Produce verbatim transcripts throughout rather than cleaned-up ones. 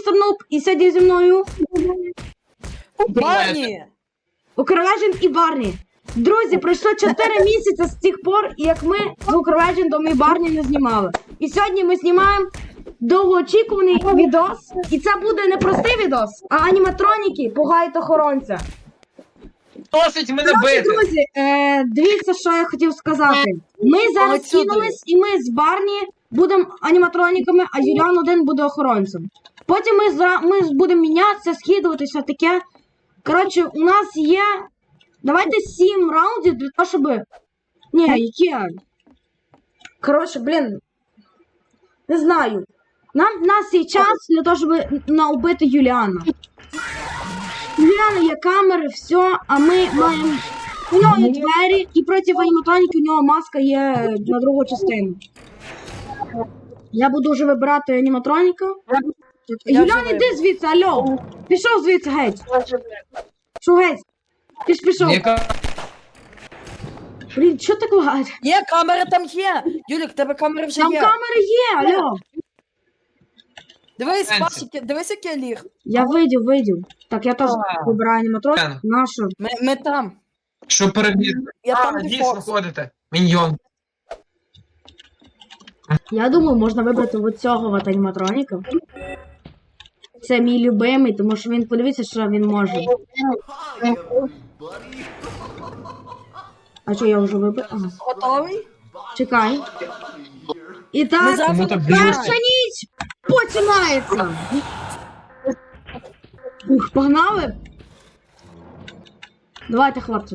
містер Нуб, і сьогодні зі мною Барні! Укрвежен і Барні. Друзі, пройшло чотири місяці з тих пор, як ми з Укрвежендом і Барні не знімали. І сьогодні ми знімаємо довгоочікуваний відос. І це буде не простий відос, а аніматроніки пугають охоронця. Досить мене Коротше, бити! друзі, е, дивіться, що я хотів сказати. Ми зараз Отсюди. кинулись, і ми з Барні будемо аніматроніками, а Юліан один буде охоронцем. Потім ми, зра... ми будемо мінятися, скидуватися, таке. Коротше, у нас є... Давайте сім раундів для того, щоб... Ні, яке? Коротше, блін. Не знаю. Нам, у нас є час для того, щоб наубити Юліана. У Юліана є камери, все, а ми маємо... У нього є двері, і проти аніматроніки у нього маска є на другу частину. Я буду вже вибирати аніматроніка. Я Юліан, вже іди звідси, алло. Пішов звідси геть. Що геть? Ти ж пішов. Яка... Блін, що так лагає? Є, камера там є! Юлік, в тебе камери вже Там є. камери є, алло. Дивись, Сенсі. Пашик, дивись, як я ліг. Я видів, видів. Так, я теж А. вибираю аніматроник. Ен. Нашу. Ми, ми там. Що перевірити? Я А, там, де дійсно Форс. ходите. Міньйон. Я думаю, можна вибрати от цього от аніматроніка. Це мій любимий, тому що він, подивіться, що він може. А що, я вже вибрав? Ага. Готовий? Чекай. І Ми так, зараз Кому-то починаємо. перша ніч починається. Ух, погнали. Давайте, хлопці.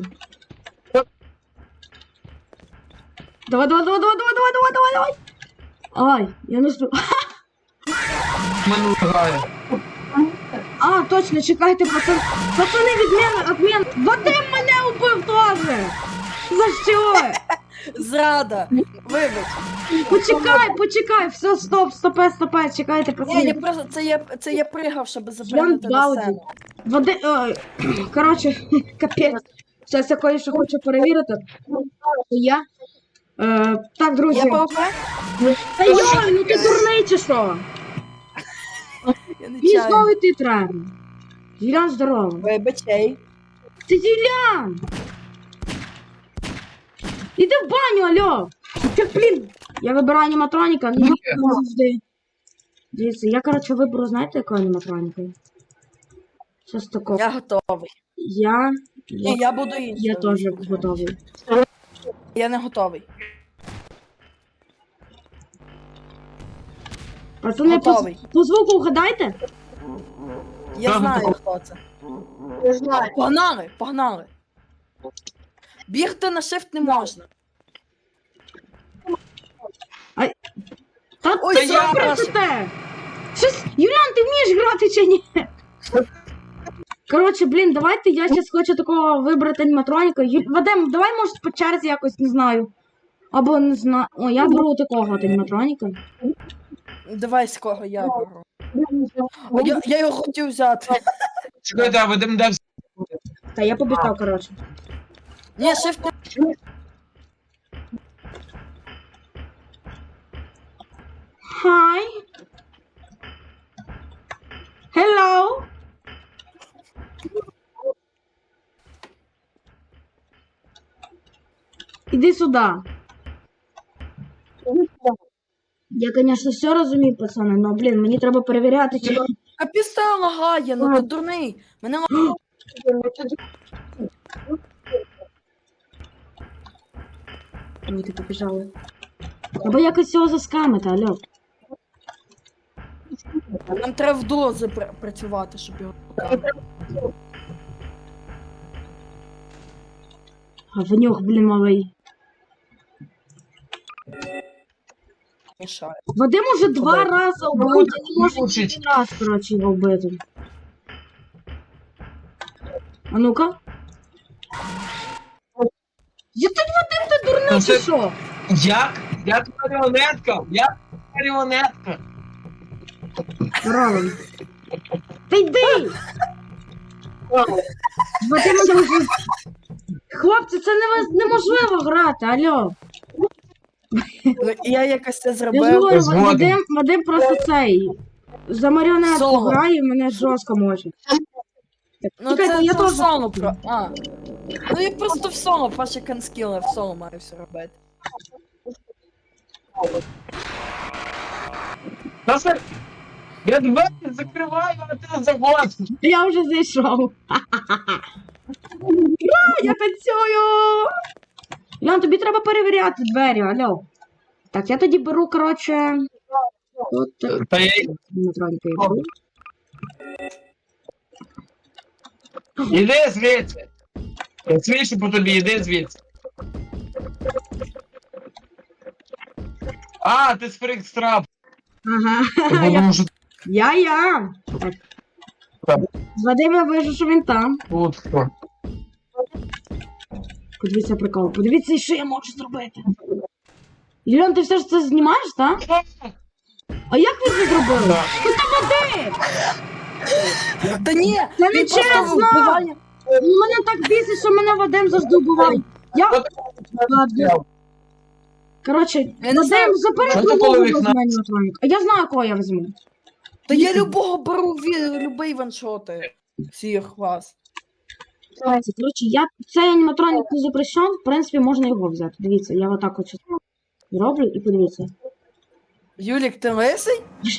Давай, давай, давай, давай, давай, давай, давай, давай, давай. Ай, я не спів. Мене грає. А, точно, чекайте, пацан. Пацани, відміна, відмін. Вадим мене убив теж. За що? Зрада. Вибач. Почекай, почекай, все, стоп, стопе, стопе, чекайте, Ні, я пацани. просто, це я, це я пригав, щоб Ян запригнути на Гауді. сцену. Води... Ой, коротше, капець. Зараз я кое-що хочу перевірити. Я. Е, так, друзі. Я ПВП? Та йой, ну ти дурний чи що? Я не Мені чаю. знову йти треба. Юлян, здорово. Вибачай. Це Юлян! Іди в баню, алло! Ти, блін! Я вибираю аніматроніка, ну не завжди. Дивіться, я, коротше, виберу, знаєте, яку аніматроніку? Щось такого. Я готовий. Я... Ні, я буду іншим. Я теж готовий. Я не готовий. Пацани, по, Готовий. по звуку вгадайте? Я Я знаю, готовий. хто це. Я знаю. Погнали, погнали. Бігти на shift не можна. Та Ой, ти я що прошу. працюєте? Щось... Юліан, ти вмієш грати чи ні? Коротше, блін, давайте я зараз хочу такого вибрати аніматроніка. Ю... Вадим, давай, може, по черзі якось, не знаю. Або не знаю. О, я беру такого от аніматроніка. Давай з кого я беру. О, я, я його хотів взяти. Чекайте, а Вадим де? Та я побіжав, коротше. Ні, shift не... Hi. Hello. Іди сюди. Я, конечно, все розумію, пацани, но, блін, мені треба перевіряти, чи... Капіста лагає, ну ти дурний. Мене лагає. Ой, ти побіжали. Треба якось цього заскамити, алло. Нам треба в дуло запрацювати, щоб його... А в нього, блін, малий. Мішає. Вадим уже два Куди? рази убив, я не можу Мучить. один раз, коротше, його вбити. А ну-ка. Я тут Вадим, ти дурний Ну, чи це- що? Як? Я тут маріонетка! Я маріонетка! Правильно. Та йди! Вадим уже... Хлопці, це невоз- неможливо грати, алло. Ну, я якось це Я ж зробив. говорю, Згоден. Вадим, Вадим просто цей. за маріонетку Соло. граю, мене жорстко може. Так, Ну чекайте, це, я це теж. в соло про. А. Ну я просто в соло, Паша канскіл, в соло маю все робити. Наша... Я двері закриваю, а ти заходиш. Я вже зайшов. Ура, я танцюю! Ян, тобі треба перевіряти двері, алло. Так, я тоді беру, коротше. От так. Та я... Дмитронька, я беру. Іди звідси. Я свідчу по тобі, іди звідси. А, ти з фрикстрап. Ага. Я, я, я. Так. Так. Вадим, я вижу, що він там. Тут хто? Подивіться прикол. Подивіться, що я можу зробити. Юліан, ти все ж це знімаєш, так? А як ви це зробили? Ти там Вадим! Та ні! Це не він просто чесно! вбиває. Мене так бісить, що мене Вадим завжди вбиває. Я... Ладно. Коротше, Я не знаю, Вадим, забери що другого такого візьме вікна? аніматроніка. А я знаю, кого я візьму. Та я любого беру, ві- любий ваншоти. Всіх вас. Коротше, я цей аніматронік не запрещен, в принципі, можна його взяти. Дивіться, я отак от роблю і подивіться. Юлік, ти лисий?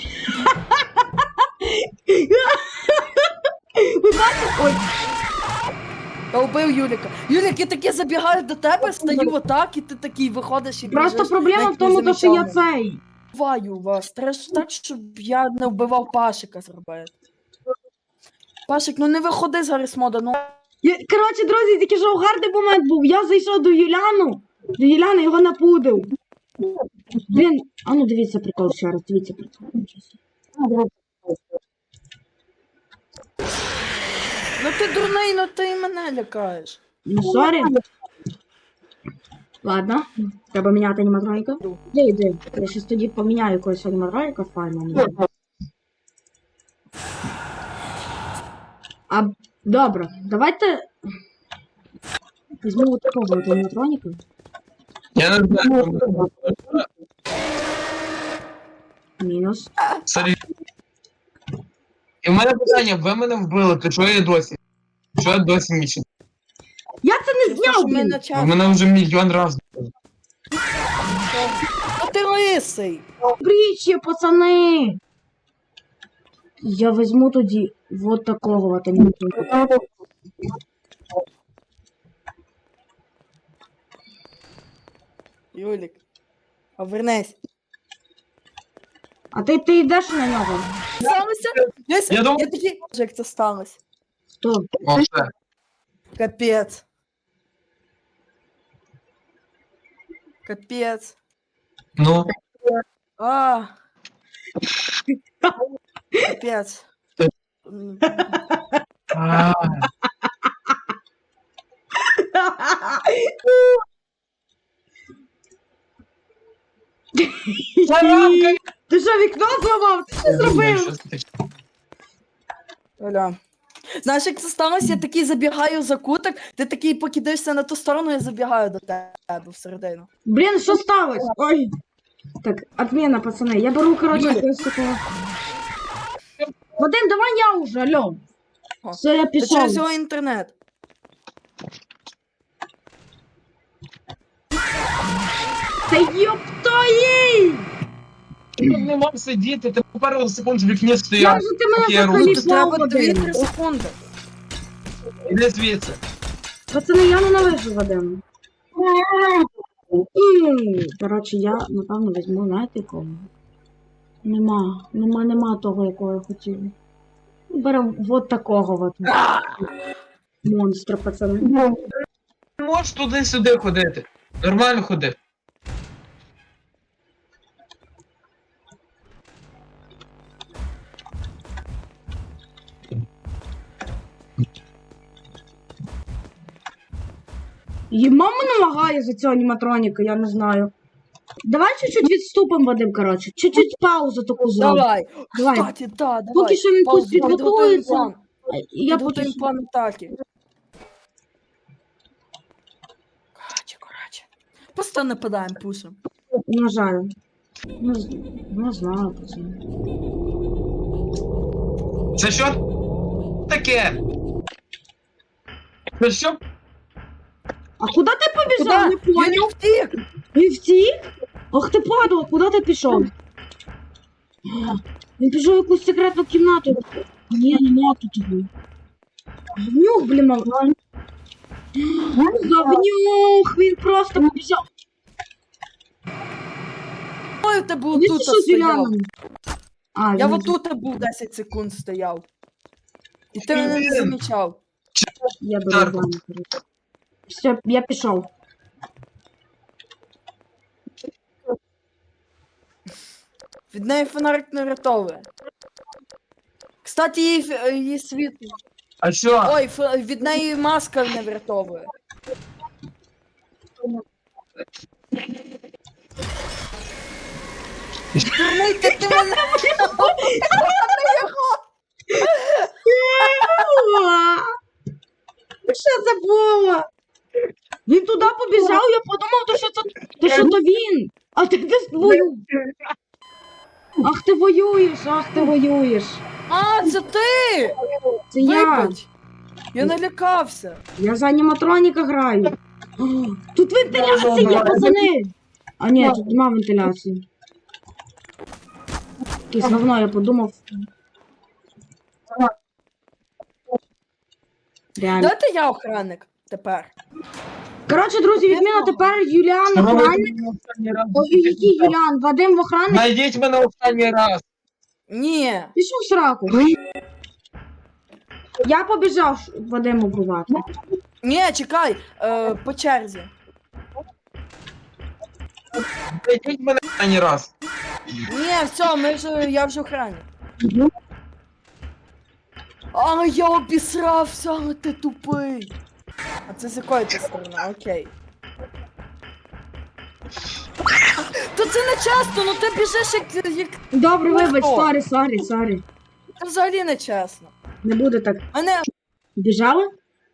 Ви бачите? Ой, Та вбив Юліка. Юлік, я таки забігаю до тебе, стою отак, і ти такий виходиш і просто біжиш, проблема навіть в тому, не то, що я замічав мене. цей. Вбиваю вас. Треба ж так, щоб я не вбивав Пашика зробити. Пашик, ну не виходи з Гаррісмода, ну. Я, коротше, друзі, тільки що гарний момент був. Я зайшов до Юляну, до Юляни його напудив. Блін, а ну дивіться прикол ще раз, дивіться прикол. Ну ти дурний, ну ти і мене лякаєш. Ну, сорі. Ладно, треба міняти аніматроніка. Де йди? Я щас тоді поміняю якогось аніматроніка файно. А, добре, давайте візьму от такого от аніматроніка. Я не знаю. Мінус. Сорі. І в мене питання, ви мене вбили, то чого я досі? Чого я досі мічу? Я це не Тому що зняв, ми блін! на Ви час. мене вже мільйон разів. Ну ти лисий. Притчі, пацани! Я візьму тоді вот такого от аніматроніка. Юлік, повернись. А ти, ти йдеш на нього? Сталося? Я, Я думав- я такий, як це сталося? Хто? О, все. Капець. Капець. Ну, А. Капець. М, а, Таранка! Ти що, вікно зламав? Ти що зробив? Що це таке? Оля. Знаєш, як це сталося? Я такий забігаю за куток, ти такий покидаєшся на ту сторону, я забігаю до тебе всередину. Блін, що сталося? Ой. Так, отмена, пацани. Я беру, коротше, Юля. якогось такого. Вадим, давай я уже, алло. О, Все, я Це пішов. через його інтернет. Та ёптої! Ти тут не мав сидіти, ти по пару секунд в вікні Як стояв. же ти мене Поки я взагалі руку- Тут слав, треба дві-три Вадим? секунди. Іди звідси. Пацани, я ненавижу Вадим. Коротше, я, напевно, візьму, знаєте, кого? Нема, нема, нема того, якого я хотів. Беремо вот такого от. Монстра, пацани. Ти можеш туди-сюди ходити. Нормально ходи. І мама намагає за цього аніматроніка, я не знаю. Давай чуть-чуть відступимо, Вадим, коротше. Чуть-чуть паузу таку зробимо. Давай. Давай. Кстати, да, давай. Поки що він тут Паузу, підготуємо підготується. план. Я поки Підготуємо що... план атаки. Короче, короче. Просто нападаємо, пушим. Не жаль. Не, з- не знаю, пацани. Це що таке? Це що? А куди ти побіжав? Не Куда? Я понял. не втік. Він втік? Ах ти падла, куди ти пішов? Він пішов в якусь секретну кімнату. Ні, нема тут його. Говнюк, блін, мав. Говнюк, він просто побіжав. Ой, ти був Він тут пішов з стояв. Юліаном. А, Я він- вот тут був десять секунд стояв. І ти мене не замічав. Я беру Так. баню. Все, я пішов. Від неї фонарик не врятовує. Кстати, її, ф- її світло. А що? Ой, ф- від неї маска не врятовує. Дурний, ти, ти мене... Що це було? Він туди побіжав, я подумав, то що це то що то він. А ти десь воюєш. Ах ти воюєш, ах ти воюєш. А, це ти! Це я. Вибач! Я налякався. Я за аніматроніка граю. О, тут вентиляція є, пацани. А ні, тут нема вентиляції. Якесь говно, я подумав. Реально. Давайте я охранник тепер. Коротше, друзі, відміна тепер Юліан охранник. Ой, який Юліан? Вадим в охранник. Найдіть мене останній раз. Ні. Пішов в сраку. Я побіжав Вадим убивати. Ні, чекай. Е, по черзі. Найдіть мене останній раз. Ні, все, ми вже, я вже охранник. А, я обісрався, ти тупий. А це з якої ти сторони? Окей. То це не чесно, ну ти біжиш як, як... Добре, вибач, Легко. сорі, сорі, сорі. Це взагалі не чесно. Не буде так. Мене... Біжали?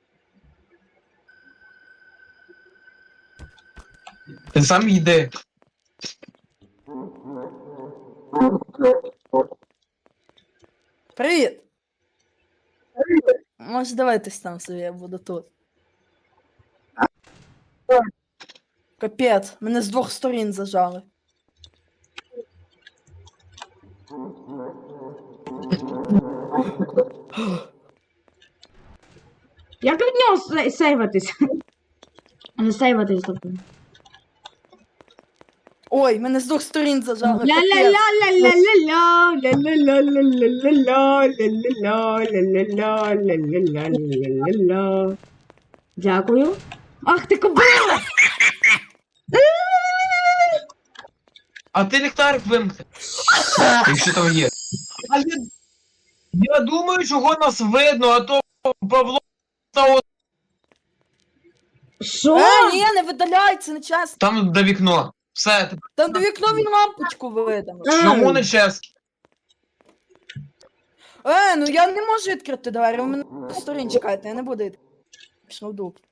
Ти сам йди. Привіт! Може, давайтесь там собі, я буду тут. Капець, мене з двох сторін зажали. Як від нього сей- сейватись? Не сейватись, тобто. Ой, мене з двох сторін зажали. капець. Ля-ля-ля-ля-ля-ля, ля-ля-ля-ля-ля-ля, ля-ля-ля-ля-ля-ля, ля-ля-ля-ля-ля-ля. Дякую. Ах ти кобила! А ти ліхтарик вимкни. Якщо там є. А я, я думаю, чого нас видно, а то Павло став Що? Е, ні, не видаляй, це не чесно. там до вікно. Все, Там до вікна він лампочку видав. чому не чесно? Е, ну я не можу відкрити двері, ви мене з сторін чекайте, я не буду відкрити. Пішов в дуп.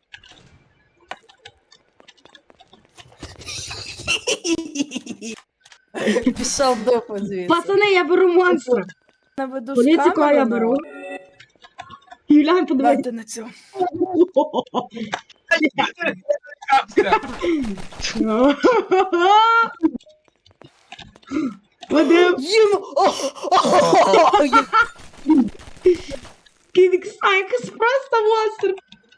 Пішов в дупу звідси. Пацани, я беру монстра. Наведу з Політику камери, я ну. беру. Юлян, подивись. Дайте на цю. Капка. Вадим, Їм! О-о-о-о! Я- Ківік Сайкс, просто монстр.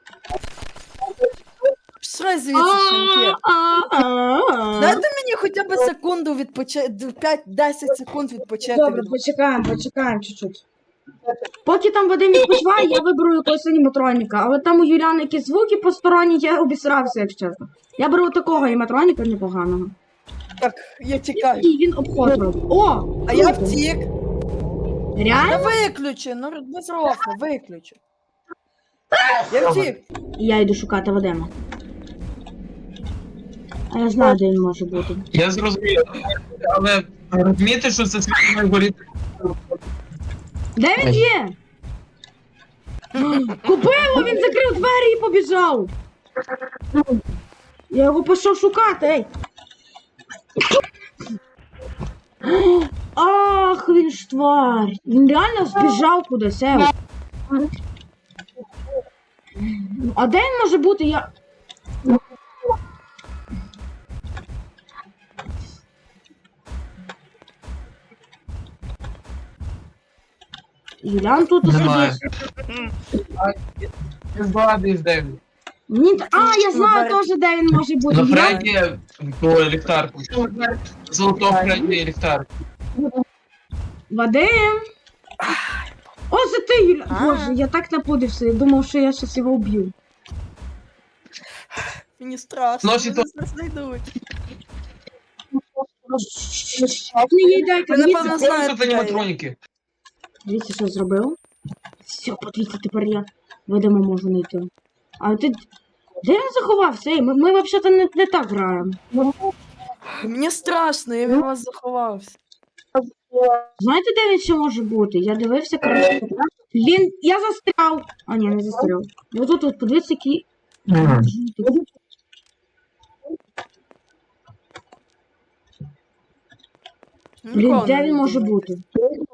Що звідси, щенки? А-а-а-а. Дайте мені хоча б секунду відпочити, п'ять-десять секунд відпочити. Добре, від- почекаємо, почекаємо чуть-чуть. Поки там Вадим відпочиває, я виберу якогось аніматроніка, але там у Юліана якісь звуки посторонні, я обісрався, якщо чесно. Я беру такого аніматроніка непоганого. Так, я тікаю. І він обход робить. О! А я круто. втік. Та Реально? виключи, ну без рофу, виключи. Я втік. І я йду шукати Вадима. А я знаю, де він може бути. Я зрозумів. Але розумієте, що це світло горіти? Де він є? Купило, він закрив двері і побіжав. Я його пішов шукати, ей. Ах, він ж тварь. Він реально збіжав кудись. Ев. А де він може бути? Я. Юлян тут Немає. сидить. Я знаю, десь де він. Ні, та- а, я знаю теж, де він може бути. На Юлян- Фредді по ліхтарку. Золотого Фредді ліхтарку. Вадим! О, це ти, Юля! А. Боже, я так напудився, я думав, що я щас його вб'ю. Мені страшно, Носі вони нас знайдуть. Не їй дайте, Ви, дивіться, напевно, Це знаєте, тут аніматроніки. дивіться, що я зробив. Все, подивіться, тепер я Вадима можу знайти. А ти... Де він заховався? Ей, ми, ми взагалі не, не так граємо. Мені страшно, я від вас заховався. Знаєте, де він ще може бути? Я дивився, коротше. Він... Я застряв. А, ні, не застряв. Ось тут, от, подивіться, який... Блін, Ніколи де не він може думаю. бути?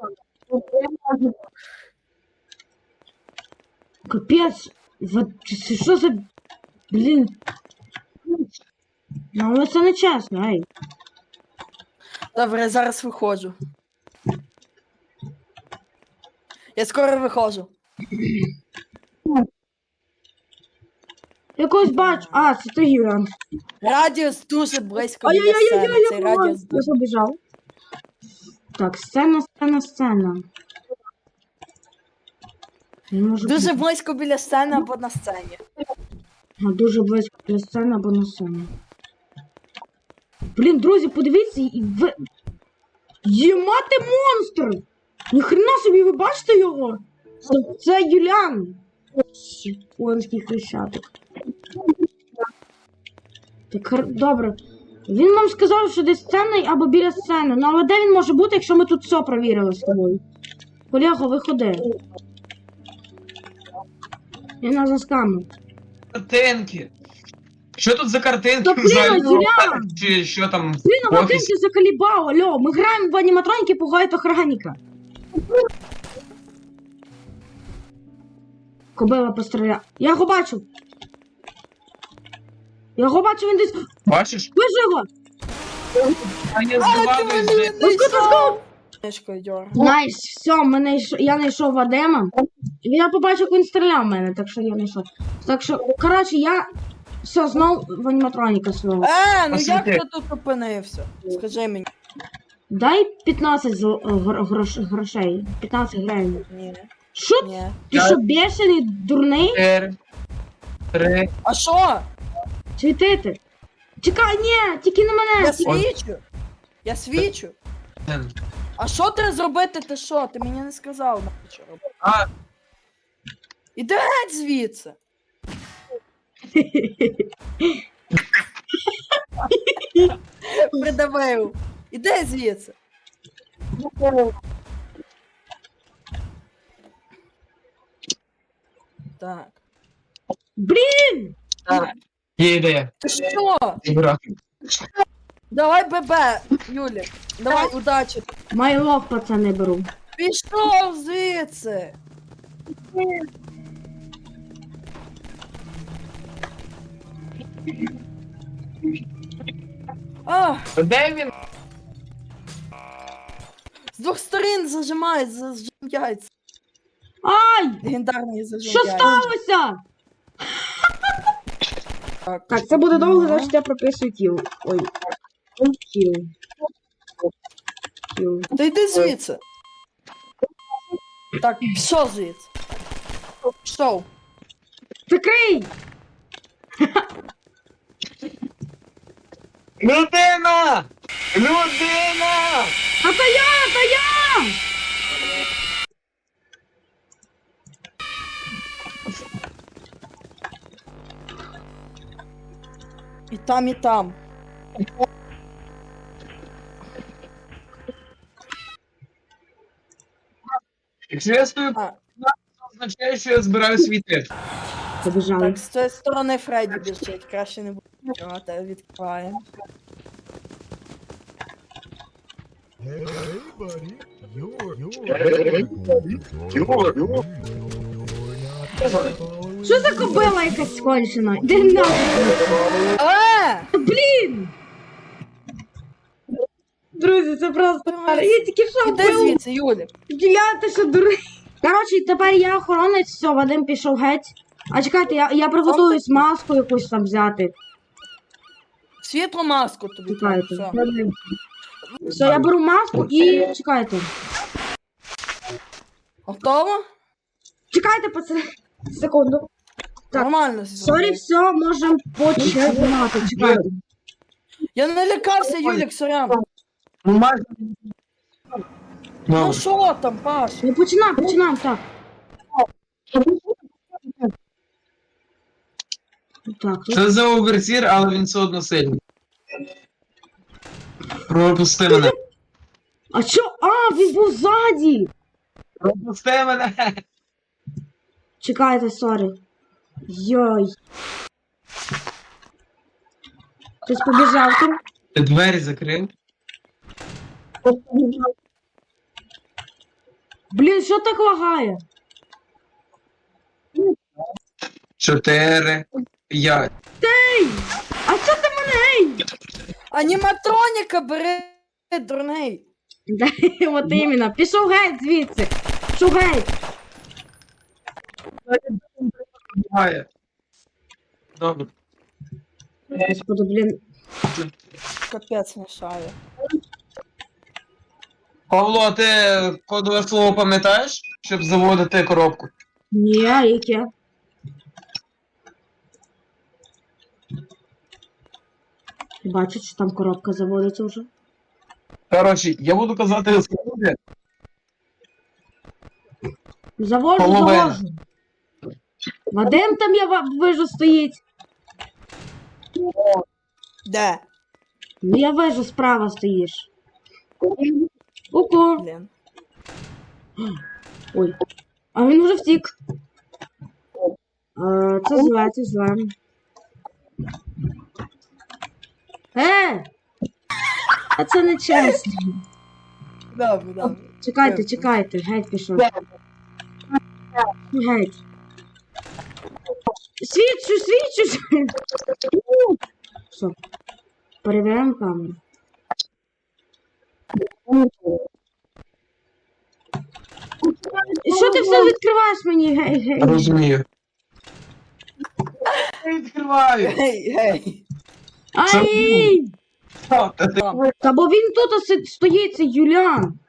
Капець, вот це що за... Блін. Ну, але це не чесно, ей. Добре, я зараз виходжу. Я скоро виходжу. Я когось бачу. А, це ти, Юран. Радіус дуже близько біля Ай-яй-яй-яй, сцени. я Цей побачив. радіус Я дуже... побіжав. Так, сцена, сцена, сцена. Не можу Дуже бути. близько біля сцени або на сцені. А, дуже близько для сцени або на сцені. Блін, друзі, подивіться, і ви... Ємати монстр! Ніхрена собі, ви бачите його? Це, це Юлян. Конський хрещатик. Так, хар- добре. Він нам сказав, що десь сцена або біля сцени. Ну але де він може бути, якщо ми тут все провірили з тобою? Колего, виходи. Я нас заскамив. Картинки. Що тут за картинки? Та блін, Взагалі, Юлян! Чи що там? Блін, в а офісі? Вадим, ти заколебав, алло, ми граємо в аніматроніки, пугають охранника. Кобила постріляв. Я його бачу. Я його бачу, він десь... Бачиш? Вижу його! А я А, ти здогадуюсь, мене де. не йшов! Книжкою дьор. Найс, все, мене йш... я знайшов Вадима. І я побачив, як він стріляв в мене, так що я знайшов. Так що, коротше, я... Все, знов в аніматроніка свого. Е, ну Освіти. як ти тут опинився? Скажи мені. Дай п'ятнадцять зл... гро... грош... грошей. п'ятнадцять гривень. Ні, Що? ні. Ти що, бешений, дурний? Чотири, три. А що? Світити. Чекай, ні, тільки не мене. Я тільки- свічу. Я свічу. один. А що треба зробити, ти що? Ти мені не сказав, на що робити. А, Іди геть звідси. Придавив. Іди звідси. Так. Блін! так. Є ідея. Ти що? Іграти. Давай ББ, Юлі. Давай, удачі. Майлов, пацани, беру. Пішов звідси. А, Де він? з двох сторін зажимають, зажим яйця. Ай! Легендарний зажим Що яйця. сталося? Так, Так, це буде довго, значить я прописую кіл. Ой. Кіл. Кіл. Та йди звідси. Так, пішов звідси. Пішов. Закрий! Людина! Людина! А то я, то я! І там, і там. Якщо я стою, А. це означає, що я збираю світи. Побіжали. Так, з цієї сторони Фредді біжить. Краще не буде. А, те відкриваємо. Hey, buddy. You're, you're, you're, you're not Що за кобила якась скончена? Де нахуй? Е! Блін! Друзі, це просто... Я тільки що Іди вбив. звідси, Юлік. Юля, ти що дурий? Коротше, тепер я охоронець, все, Вадим пішов геть. А чекайте, я, я приготуюсь маску якусь там взяти. Світлу маску тобі. Чекайте. Все. Все, я беру маску і чекайте. Готово? Чекайте, пацани. Секунду. Так. Нормально. Сорі, все, можемо починати. Чекайте. Я не лякався, Юлік, сорян. Ну, майже. Ну Ну, що там, Паш? Ну починаємо, починаємо, так. Так, тут. це за оверсір, але він все одно сильний. Пропусти мене. А що? А, він був ззаді. Пропусти мене. Чекайте, сорі. Йой. Хтось побіжав там. Ти двері закрив? Блін, що так лагає? Чотири. П'ять. А що ти мене? Аніматроніка бери, дурний. Ей? От іменно. Пішов геть звідси. Пішов геть. Буває. Добре. Господи, блін. Капець мішає. Павло, а ти кодове слово пам'ятаєш, щоб заводити коробку? Ні, а яке? Бачиш, що там коробка заводиться вже. Коротше, я буду казати слово. Завожу, Половина. завожу. Вадим там я ва- вижу стоїть. Де? Ну я вижу, справа стоїш. Ку-ку. Блін. Ой. А він вже втік. Е, Це зле, це зле. Е! А це не чесно. Добре, добре. Чекайте, чекайте, геть пішов. Геть. Свідчу, свідчу! Все. Перевіряємо камеру. І що ти все відкриваєш мені? Гей, гей. Розумію. Я відкриваю. Гей, гей. Ай! Що ти? ти- Там. Та бо він тут си- стоїть, це Юлян.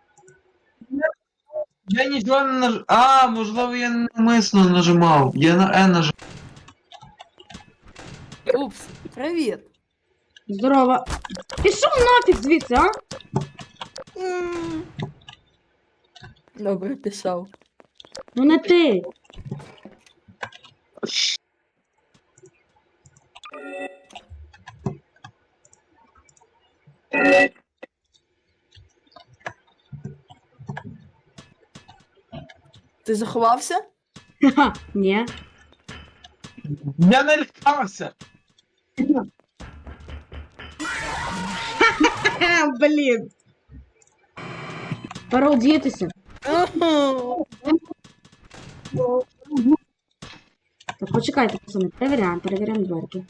Я нічого не наж... А, можливо, я навмисно нажимав. Я на Е нажимав. Упс, привіт. Здорово. Пішов нафіг звідси, а? М. Добре, пішов. Ну не ти. Ти заховався? Ха, ні. Я не лякався. Ха, блін. Пора одітися. Так, почекайте, пацани, перевіряємо, перевіряємо дверки.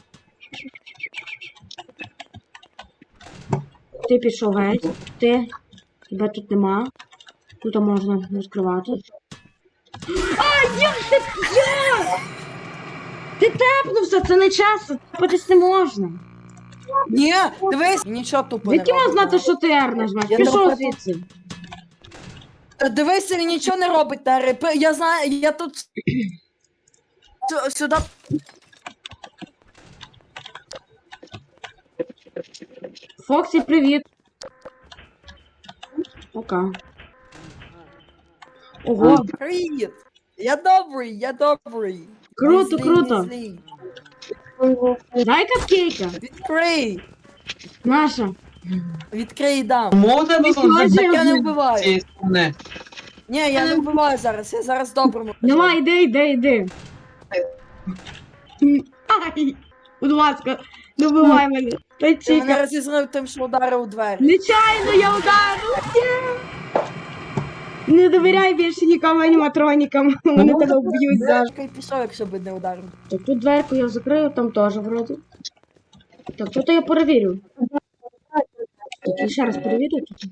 Ти пішов геть, ти, тебе тут нема. Тут можна відкривати. А, як ти, як? Ти тепнувся, це не час, тепатись не можна. Ні, дивись, нічого тупо не Звідки можна робить. знати, що ти Р нажмеш? Я Пішов не звідси. Та Дивись, він нічого не робить, Тари. П- Я знаю, я тут... Сю- Сюди... Фоксі, привіт. Пока. Ого, Привіт! Я добрий, я добрий. Круто, Не злий, круто. не злий. дай капкейка. Відкрий! Наша. Відкрий дам. Чому у тебе Ти тут хочеш? з Так я не вбиваю. цієї сторони? Ні, я не вбиваю зараз, я зараз доброму. Давай, йди, йди, йди. Ай, будь ласка. Добивай мене. Той Ти мене чіка. розізрив тим, що ударив у двері. Нечайно я ударив. Ні. Не довіряй більше нікому аніматронікам. Вони тебе вб'ють завжди. Я пішов, якщо б не ударив. Так, тут дверку я закрию, там теж вроді. Так, тут я перевірю. Так, я ще раз перевірю тут.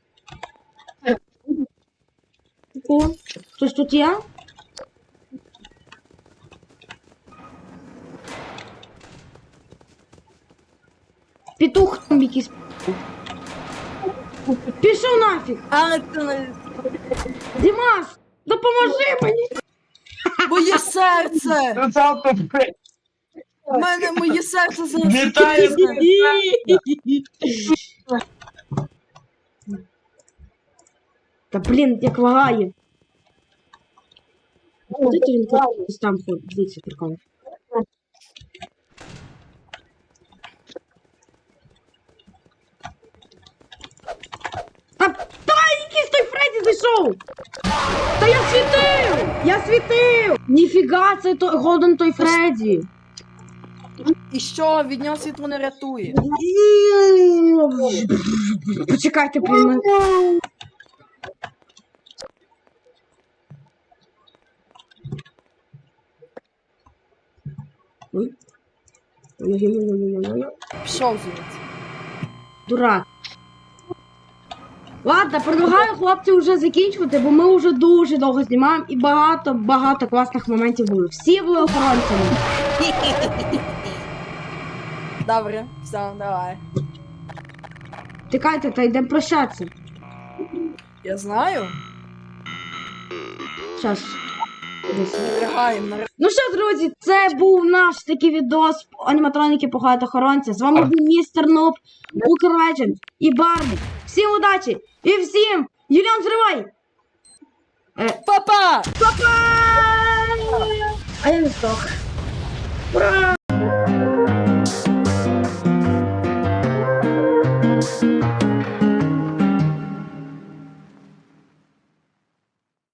О, хтось тут є? Петух там якийсь. Пішов нафіг! Але ти не... Дімас, допоможи мені! Моє серце! Ну це автопри. У мене моє серце зараз. Вітаю! Та блін, як лагає. Куди ти він ось там ходить? Дивіться, прикол. Та, та якийсь той Фредді зайшов! Та я світив! Я світив! Ніфіга, це той Голден той Фредді! І що, від нього світло не рятує? Почекайте, блін. мене- Ой. Ой-ой-ой-ой-ой-ой. Пішов звідси. Дурак. Ладно, предлагаю хлопці вже закінчувати, бо ми вже дуже довго знімаємо і багато-багато класних моментів було. Всі були охоронцями. Добре, все, давай. Тікайте, та йдемо прощатися. Я знаю. Щас. Десь. Лягаємо на Ну що, друзі, це був наш такий відос аніматроніки поховають охоронця. З вами був містер Нуб, Укр і Барбі. Всім удачі! І всім! Юліан, зривай! Папа! Па-па! А я не здох. Ура!